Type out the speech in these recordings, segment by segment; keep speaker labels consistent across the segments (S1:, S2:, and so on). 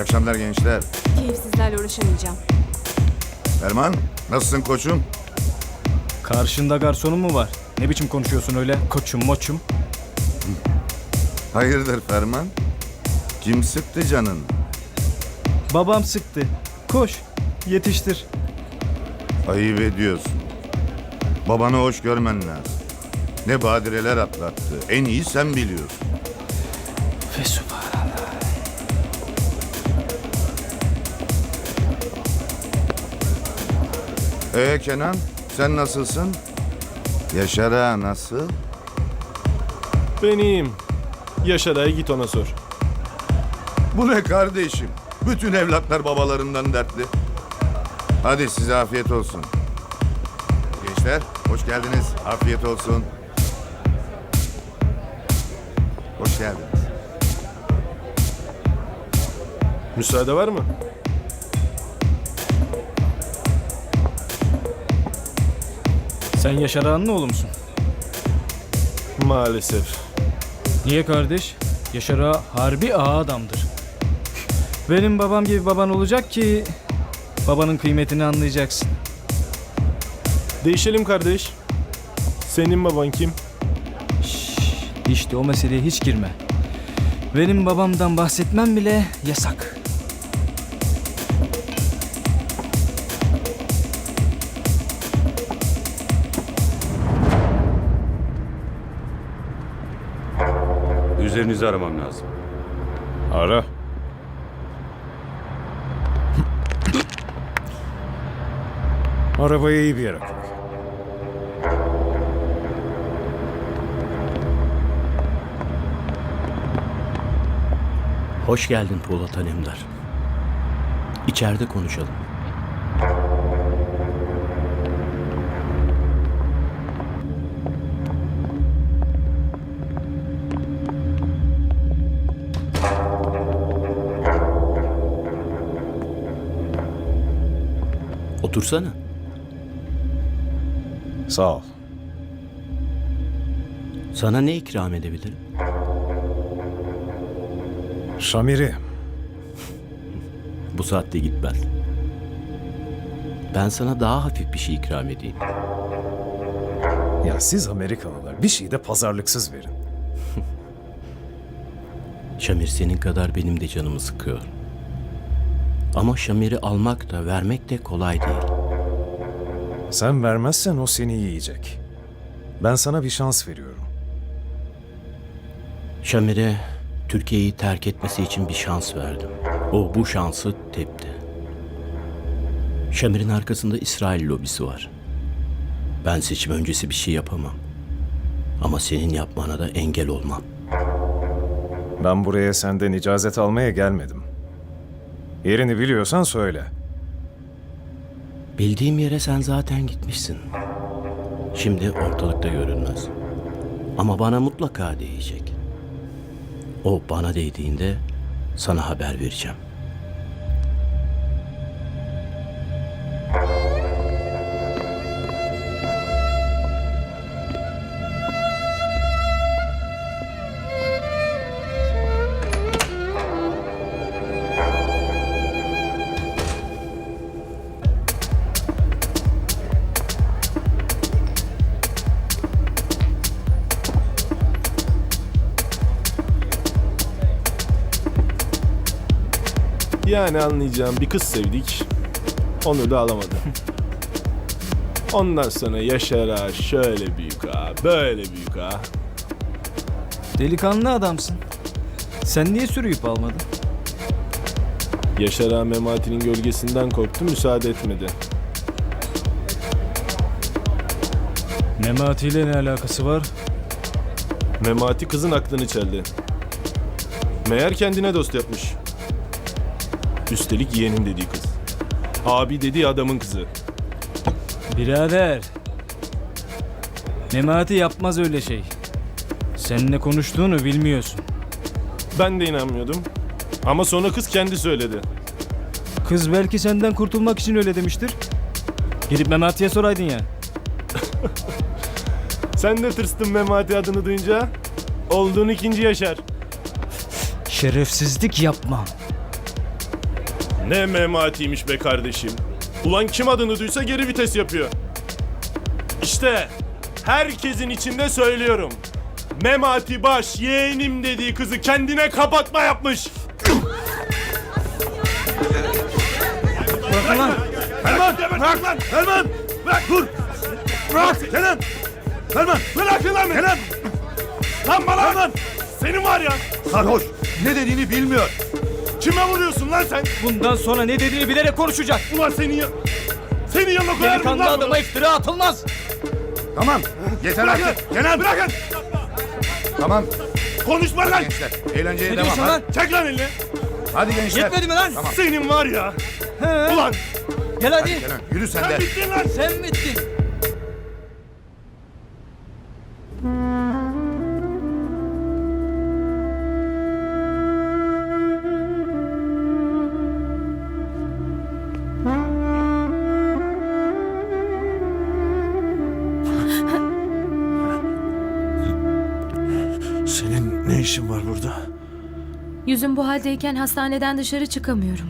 S1: akşamlar gençler.
S2: Keyifsizlerle uğraşamayacağım.
S1: Erman, nasılsın koçum?
S3: Karşında garsonun mu var? Ne biçim konuşuyorsun öyle? Koçum moçum.
S1: Hayırdır Ferman? Kim sıktı canın?
S3: Babam sıktı. Koş yetiştir.
S1: Ayıp ediyorsun. Babanı hoş görmen lazım. Ne badireler atlattı. En iyi sen biliyorsun.
S3: Ve subhanallah.
S1: Kenan, sen nasılsın? Yaşar ağa nasıl?
S4: Ben iyiyim. Yaşar Ağa'ya git ona sor.
S1: Bu ne kardeşim? Bütün evlatlar babalarından dertli. Hadi size afiyet olsun. Gençler, hoş geldiniz. Afiyet olsun. Hoş geldiniz.
S4: Müsaade var mı?
S3: Sen Yaşar Ağa'nın oğlu musun?
S4: Maalesef.
S3: Niye kardeş? Yaşar Ağa harbi ağa adamdır. Benim babam gibi baban olacak ki babanın kıymetini anlayacaksın.
S4: Değişelim kardeş. Senin baban kim?
S3: İşte o meseleye hiç girme. Benim babamdan bahsetmem bile yasak.
S5: Üzerinizi aramam lazım.
S4: Ara.
S6: Arabayı iyi bir yere koy.
S7: Hoş geldin Polat Alemdar. İçeride konuşalım. Otursana.
S6: Sağ ol.
S7: Sana ne ikram edebilirim?
S6: Şamiri.
S7: Bu saatte gitmez. Ben sana daha hafif bir şey ikram edeyim.
S6: Ya siz Amerikalılar bir şey de pazarlıksız verin.
S7: Şamir senin kadar benim de canımı sıkıyor. Ama Şamir'i almak da vermek de kolay değil.
S6: Sen vermezsen o seni yiyecek. Ben sana bir şans veriyorum.
S7: Şamir'e Türkiye'yi terk etmesi için bir şans verdim. O bu şansı tepti. Şamir'in arkasında İsrail lobisi var. Ben seçim öncesi bir şey yapamam. Ama senin yapmana da engel olmam.
S6: Ben buraya senden icazet almaya gelmedim. Yerini biliyorsan söyle.
S7: Bildiğim yere sen zaten gitmişsin. Şimdi ortalıkta görünmez. Ama bana mutlaka değecek. O bana değdiğinde sana haber vereceğim.
S4: Yani anlayacağım bir kız sevdik. Onu da alamadı. Ondan sonra Yaşar Ağa şöyle büyük ağa, böyle büyük ağa.
S3: Delikanlı adamsın. Sen niye sürüyüp almadın?
S4: Yaşar Ağa Memati'nin gölgesinden korktu, müsaade etmedi.
S3: Memati ile ne alakası var?
S4: Memati kızın aklını çeldi. Meğer kendine dost yapmış. Üstelik yeğenim dediği kız. Abi dediği adamın kızı.
S3: Birader. Memati yapmaz öyle şey. Seninle konuştuğunu bilmiyorsun.
S4: Ben de inanmıyordum. Ama sonra kız kendi söyledi.
S3: Kız belki senden kurtulmak için öyle demiştir. Gidip Memati'ye soraydın ya.
S4: Sen de tırstın Memati adını duyunca. Olduğun ikinci Yaşar.
S3: Şerefsizlik yapma.
S4: Ne Memati'ymiş be kardeşim. Ulan kim adını duysa geri vites yapıyor. İşte herkesin içinde söylüyorum. Memati Baş yeğenim dediği kızı kendine kapatma yapmış.
S3: Bırakın lan.
S1: Ferman! Bırak lan! Ferman! Bırak dur! Bırak! Kenan! Ferman!
S4: Bırakın lan beni.
S1: Kenan!
S4: Lan bana.
S1: Ferman!
S4: Senin var ya.
S1: Sarhoş! Ne dediğini bilmiyor.
S4: Kime vuruyorsun lan sen?
S3: Bundan sonra ne dediğini bilerek konuşacak.
S4: Ulan senin yanına koyar mıyım
S3: Delikanlı
S4: lan
S3: adama
S4: bunu?
S3: iftira atılmaz.
S1: Tamam. Yeter
S4: Bırakın.
S1: artık. Kenan!
S4: Bırakın.
S1: Tamam.
S4: Konuşma lan.
S1: Gençler eğlenceye
S3: Ne
S1: devam.
S3: diyorsun lan?
S1: Hadi.
S4: Çek lan elini.
S1: Hadi gençler.
S3: Yetmedi mi lan?
S1: Tamam.
S4: Senin var ya.
S3: He.
S4: Ulan
S3: Gel hadi.
S1: Kenan yürü sen
S4: sen
S1: de.
S4: bittin lan.
S3: Sen bittin.
S8: Senin ne işin var burada?
S2: Yüzüm bu haldeyken hastaneden dışarı çıkamıyorum.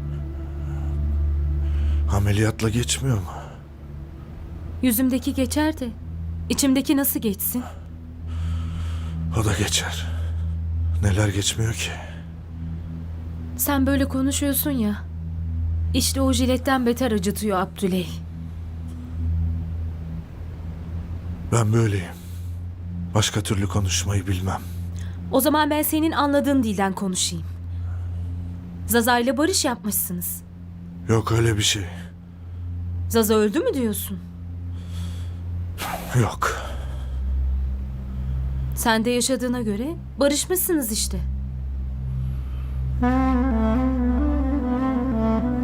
S8: Ameliyatla geçmiyor mu?
S2: Yüzümdeki geçer de içimdeki nasıl geçsin?
S8: O da geçer. Neler geçmiyor ki?
S2: Sen böyle konuşuyorsun ya. İşte o jiletten beter acıtıyor Abdüley.
S8: Ben böyleyim. Başka türlü konuşmayı bilmem.
S2: O zaman ben senin anladığın dilden konuşayım. Zaza ile barış yapmışsınız.
S8: Yok öyle bir şey.
S2: Zaza öldü mü diyorsun?
S8: Yok.
S2: Sen de yaşadığına göre barışmışsınız işte.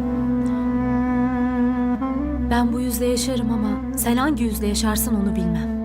S2: Ben bu yüzle yaşarım ama sen hangi yüzle yaşarsın onu bilmem.